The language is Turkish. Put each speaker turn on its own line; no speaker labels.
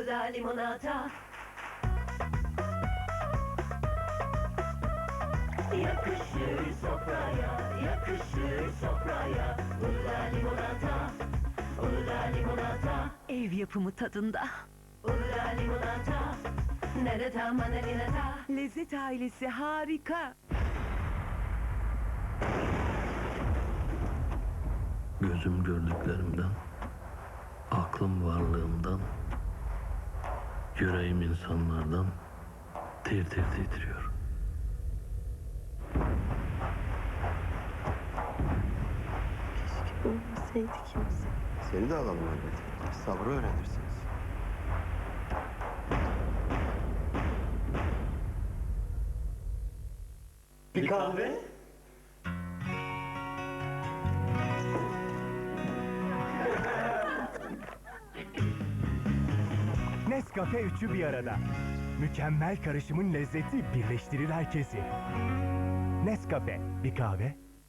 Ula limonata. Yakışır sofraya, yakışır sofraya. Ula limonata, ula limonata.
Ev yapımı tadında.
Ula limonata, nerede manalinata.
Lezzet ailesi harika.
Gözüm gördüklerimden, aklım varlığımdan, yüreğim insanlardan tir tir titriyor.
Keşke ölmeseydi kimse.
Seni de alalım elbet. Sabrı öğrenirsiniz. Bir kahve.
Nescafe üçü bir arada. Mükemmel karışımın lezzeti birleştirir herkesi. Nescafe, bir kahve